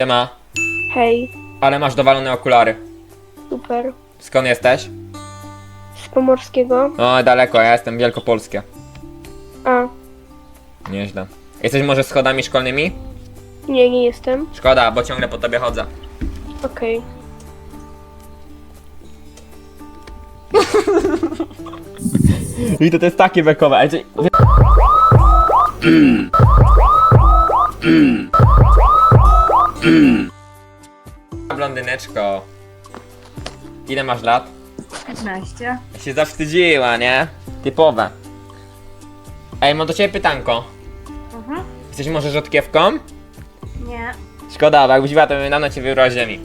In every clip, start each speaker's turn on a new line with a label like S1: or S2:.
S1: Siema,
S2: Hej,
S1: ale masz dowalone okulary.
S2: super.
S1: Skąd jesteś?
S2: Z Pomorskiego?
S1: O, daleko, ja jestem wielkopolskie.
S2: A,
S1: Nieźle. Jesteś może schodami szkolnymi?
S2: nie jestem.
S1: Szkoda, bo ciągle po tobie chodzę.
S2: Okej.
S1: I to jest takie bekowe, ale... Blondyneczko. Ile masz lat?
S3: 15.
S1: Się zawstydziła, nie? Typowe. Ej, mam do ciebie pytanko.
S3: Mhm.
S1: Jesteś może rzodkiewką?
S3: Nie.
S1: Szkoda, bo jakbyś była, to bym dawno cię wybrał z ziemi.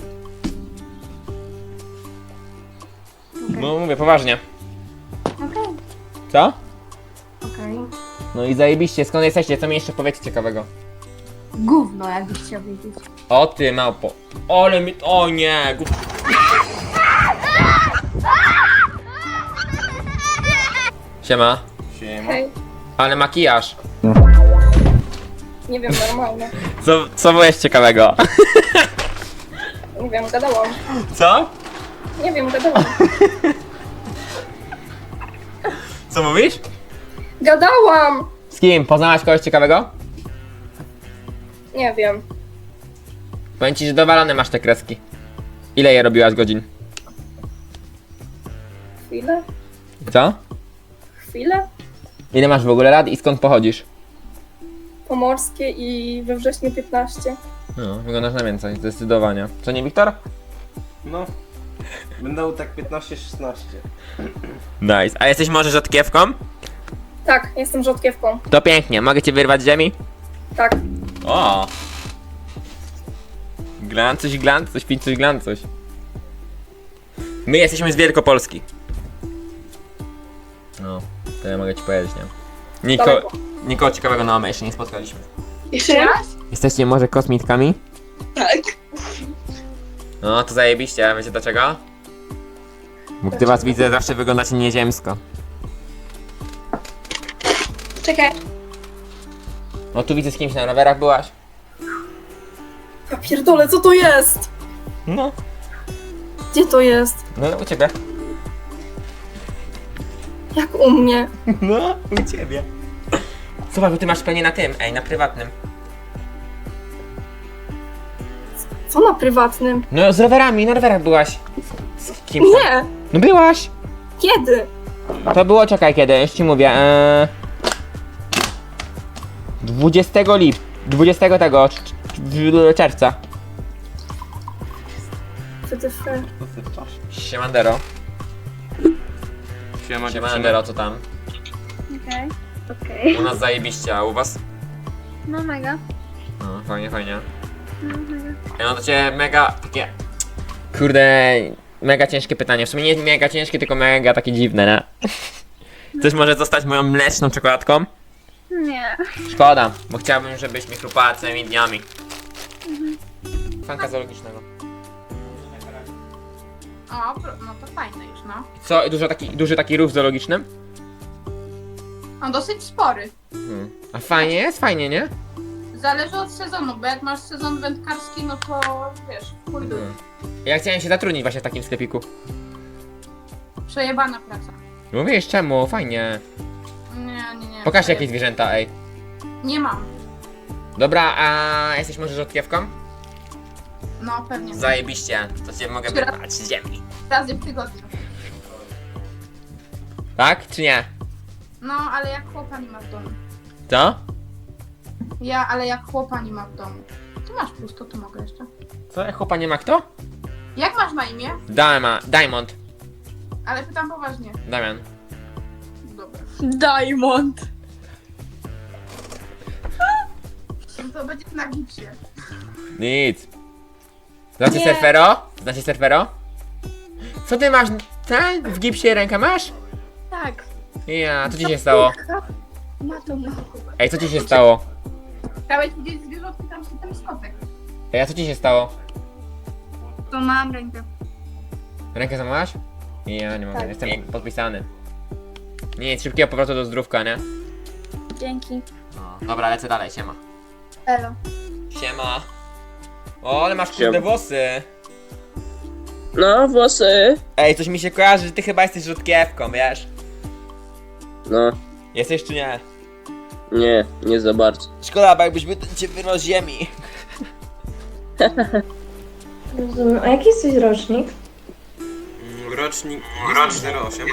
S3: Okej.
S1: No mówię, poważnie.
S3: Okej.
S1: Co?
S3: Okej.
S1: No i zajebiście, skąd jesteście? Co mi jeszcze powiecie ciekawego?
S3: Gówno, jakbyś chciał wiedzieć.
S1: O ty małpo. Ole mi... O nie! Siema.
S4: Siema.
S2: Hej,
S1: Ale makijaż.
S2: nie wiem, normalne.
S1: Co było jeszcze ciekawego?
S2: Nie wiem, gadałam.
S1: Co?
S2: Nie wiem, gadałam.
S1: Co mówisz?
S2: Gadałam!
S1: Z kim? Poznałaś kogoś ciekawego?
S2: Nie wiem.
S1: Powiem ci, że dowalone masz te kreski. Ile je robiłaś godzin?
S2: Chwilę?
S1: Co?
S2: Chwilę?
S1: Ile masz w ogóle lat i skąd pochodzisz?
S2: Pomorskie i we wrześniu 15.
S1: No, wyglądasz na więcej, zdecydowanie. Co nie, Wiktor?
S4: No. Będą tak 15-16.
S1: Nice. A jesteś może rzodkiewką?
S2: Tak, jestem rzodkiewką.
S1: To pięknie, mogę cię wyrwać z ziemi?
S2: Tak.
S1: O! Glancuś, pincuś, glancuś. My jesteśmy z Wielkopolski. No, to ja mogę ci powiedzieć, nie?
S2: Daleko.
S1: Nikogo ciekawego na OME jeszcze nie spotkaliśmy.
S2: Jeszcze raz?
S1: Jesteście może kosmitkami?
S2: Tak.
S1: No, to zajebiście, a wiecie dlaczego? Bo gdy was widzę, zawsze wyglądacie nieziemsko.
S2: Czekaj.
S1: No tu widzę, z kimś na rowerach byłaś.
S2: Ja pierdolę, co to jest?
S1: No.
S2: Gdzie to jest?
S1: No, u ciebie.
S2: Jak u mnie?
S1: No, u ciebie. Zobacz, bo ty masz pewnie na tym, na prywatnym.
S2: Co na prywatnym?
S1: No, z rowerami, na rowerach byłaś. Z kim? tam?
S2: Nie!
S1: No byłaś.
S2: Kiedy?
S1: To było, czekaj kiedy, już ci mówię. 20 tego czerwca.
S2: WTF.
S1: Siemandero. Siemandero, co tam?
S3: Okej. Okej.
S1: U nas zajebiście, a u was?
S3: No mega.
S1: No, fajnie, fajnie.
S3: No mega.
S1: Ja mam do ciebie mega takie... Kurde, mega ciężkie pytanie. W sumie nie mega ciężkie, tylko mega takie dziwne, nie? Chcesz może zostać moją mleczną czekoladką?
S3: Nie.
S1: Szkoda, bo chciałbym, żebyś mi chrupała całymi dniami. Fanka zoologicznego.
S3: O, no to fajne już, no.
S1: Co, duży taki rów zoologiczny?
S3: On dosyć spory.
S1: A fajnie jest? Fajnie, nie?
S3: Zależy od sezonu, bo jak masz sezon wędkarski, no to wiesz, pójdę.
S1: Ja chciałem się zatrudnić właśnie w takim sklepiku.
S3: Przejebana praca.
S1: Mówisz czemu? Fajnie.
S3: Nie.
S1: Pokaż jakieś zwierzęta, ej.
S3: Nie mam.
S1: Dobra, a jesteś może rzodkiewką?
S3: No pewnie.
S1: Zajebiście, to cię mogę
S3: Która-
S1: wyrwać z ziemi.
S3: Razy w tygodniu.
S1: Tak, czy nie?
S3: No, ale jak chłopa nie ma w domu.
S1: Co?
S3: Ale jak chłopa nie ma w domu. Ty masz pusto, to mogę jeszcze.
S1: Co? Jak chłopa nie ma kto?
S3: Jak masz na imię?
S1: Diamond.
S3: Ale pytam poważnie.
S1: Damian.
S3: Dobra.
S2: Diamond.
S3: No to będzie na gipsie.
S1: Nic. Znacie
S2: Nie.
S1: surfero? Znacie surfero? Co ty masz? Ten? W gipsie rękę masz?
S2: Tak.
S1: Ja, co ci się stało?
S2: Ma to ma.
S1: Ej, co ci się stało?
S3: Chciałeś widzieć zwierzątki, tam się ten skotek.
S1: Ej, a co ci się stało?
S3: To mam rękę.
S1: Rękę złamałaś? Ja nie mogę,
S2: Tak.
S1: jestem podpisany. Nic, szybkiego powrotu do zdrówka, nie?
S2: Dzięki.
S1: Dobra, lecę dalej, siema.
S2: Elo.
S1: Siema. O, ale masz kurde włosy.
S5: No, włosy.
S1: Ej, coś mi się kojarzy, że ty chyba jesteś rzutkiewką, wiesz?
S5: No,
S1: Jesteś czy nie?
S5: nie za bardzo.
S1: Szkoda, bo jakbyśmy cię wyrwał z ziemi.
S2: Rozumiem. A jaki jesteś rocznik?
S4: Rocznik 08.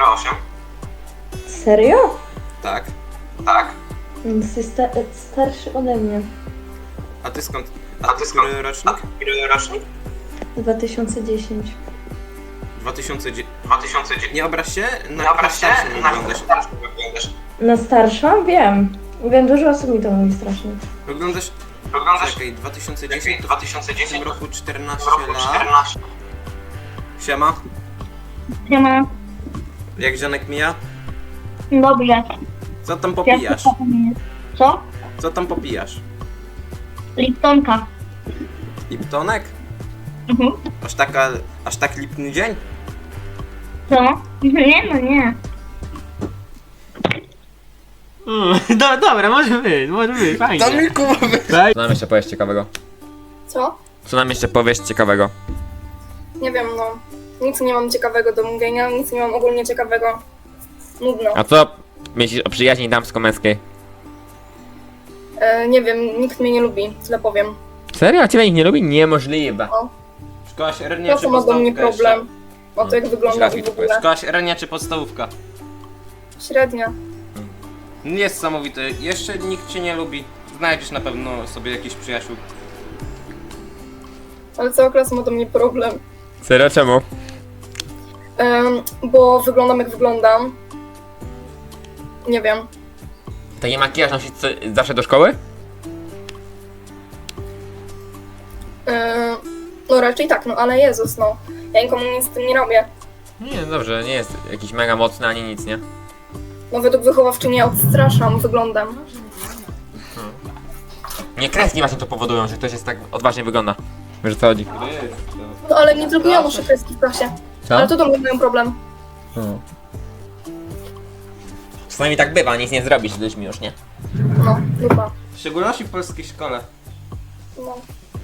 S2: Serio?
S4: Tak.
S2: Jesteś starszy ode mnie.
S4: A ty skąd? Który rocznik?
S2: 2010.
S4: 2010. Nie obraź się, na starszy wyglądasz.
S2: Na starszą? Wiem. Wiem, dużo osób mi to mówi strasznie.
S4: Wyglądasz... Czekaj, 2010? W tym roku 14 lat. Siema.
S6: Siema.
S4: Jak żonek mija?
S6: Dobrze.
S4: Co tam popijasz?
S6: Co?
S4: Co tam popijasz?
S6: Liptonka.
S4: Liptonek?
S6: Mhm.
S4: Aż tak lipny dzień?
S6: Co? Nie, no nie.
S1: Dobra, może być, fajnie.
S4: To mi kuby.
S1: Co nam jeszcze powiesz ciekawego?
S2: Co?
S1: Co nam jeszcze powiesz ciekawego?
S2: Nie wiem, no. Nic nie mam ciekawego do mówienia, nic nie mam ogólnie ciekawego. Nudno.
S1: A co myślisz o przyjaźni damsko-męskiej?
S2: Nie wiem, nikt mnie nie lubi, tyle powiem.
S1: Serio? Ciebie nikt nie lubi? Niemożliwe.
S4: Szkoła średnia
S2: To
S4: czy
S2: co ma do mnie
S4: podstawówka
S2: problem? O to jak wygląda i w ogóle.
S4: Szkoła średnia czy podstawówka?
S2: Średnia.
S4: Niesamowite. Jeszcze nikt cię nie lubi. Znajdziesz na pewno sobie jakiś przyjaciół.
S2: Ale cała klasa ma do mnie problem.
S1: Serio? Czemu?
S2: Bo wyglądam jak wyglądam. Nie wiem.
S1: Taki makijaż nosisz zawsze do szkoły?
S2: No raczej tak, no ale Jezus, no. Ja nikomu nic z tym nie robię.
S1: Nie, dobrze, nie jest jakiś mega mocny ani nic, nie?
S2: No według wychowawczyni ja odstraszam wyglądem.
S1: Nie, kreski właśnie to powodują, że ktoś jest tak odważnie wygląda. Wiesz o co chodzi?
S2: No ale nie tylko ja noszę kreski w klasie.
S1: Co?
S2: Ale to do mnie mają problem.
S1: Czasami tak bywa, nic nie zrobisz z ludźmi już, nie?
S2: No, dupa.
S4: W szczególności w polskiej szkole.
S2: No.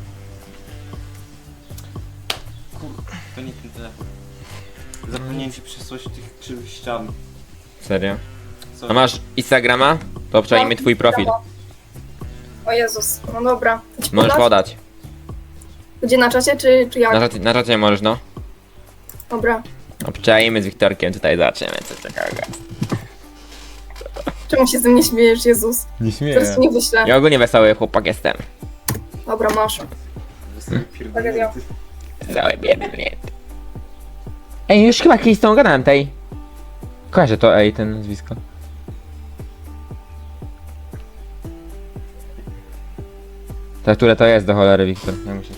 S4: To nie ten telefon. Zapomniałem ci przesłać tych krzywych ścian.
S1: Serio?
S4: Co?
S1: A masz Instagrama? To obczajmy twój profil.
S2: O Jezus, no dobra. Ci
S1: Możesz
S2: podać?
S1: podać.
S2: Gdzie na czacie, czy jak?
S1: Na czacie możesz, no.
S2: Dobra.
S1: Obczajmy z Wiktorkiem, tutaj zobaczymy co ciekawego.
S2: Czemu się ze mnie śmiejesz, Jezus?
S1: Nie
S2: Teraz ci nie wyślę.
S1: Ja ogólnie wesoły chłopak jestem.
S2: Dobra, masz. Tragedia.
S1: Cały biedny klient. Ej, już chyba kiedyś z tą gadałem tej. Kojarzę to, ej, ten nazwisko. To które to jest do cholery, Wiktor? Ja muszę.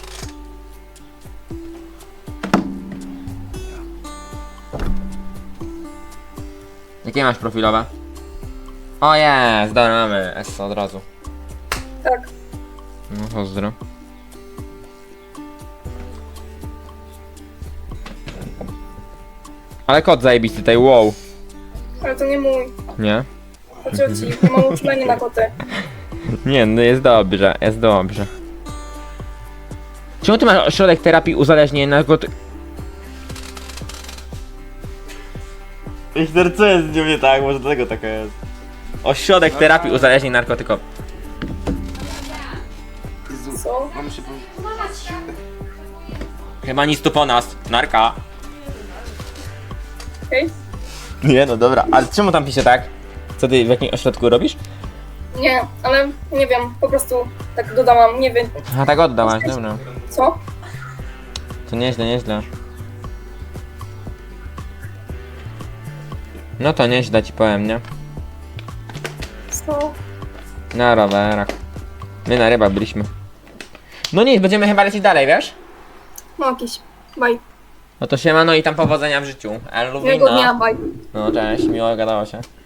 S1: Jakie masz profilowe? O jest, dobra, mamy S od razu.
S2: Tak.
S1: No pozdro. Ale kot zajebisty tutaj, wow.
S2: Ale to nie mój.
S1: Nie?
S2: To cioci, ja mam uczulenie na koty.
S1: Nie, no jest dobrze, jest dobrze. Czemu ty masz ośrodek terapii uzależnień narkotyków? Wiktor, co jest z nią nie tak? Może dlatego taka jest. Ośrodek terapii uzależnień narkotykowych.
S4: Jezu,
S2: Co?
S4: mam się powiedzieć.
S1: Chyba nic tu po nas. Narka.
S2: Okej?
S1: Nie, no dobra, ale czemu tam pisze tak? Co ty w jakim ośrodku robisz?
S2: Nie, ale nie wiem, po prostu tak dodałam, nie wiem.
S1: A tak oddałaś, dobra.
S2: Co?
S1: To nieźle, nieźle. No to nieźle ci powiem, nie?
S2: Co?
S1: Na rowerach. My na rybach byliśmy. No nic, będziemy chyba lecieć dalej, wiesz?
S2: No jakiś. Bye.
S1: No to siema, no i tam powodzenia w życiu.
S2: Miłego dnia,
S1: Elwina.
S2: bye.
S1: No cześć, miło gadało się.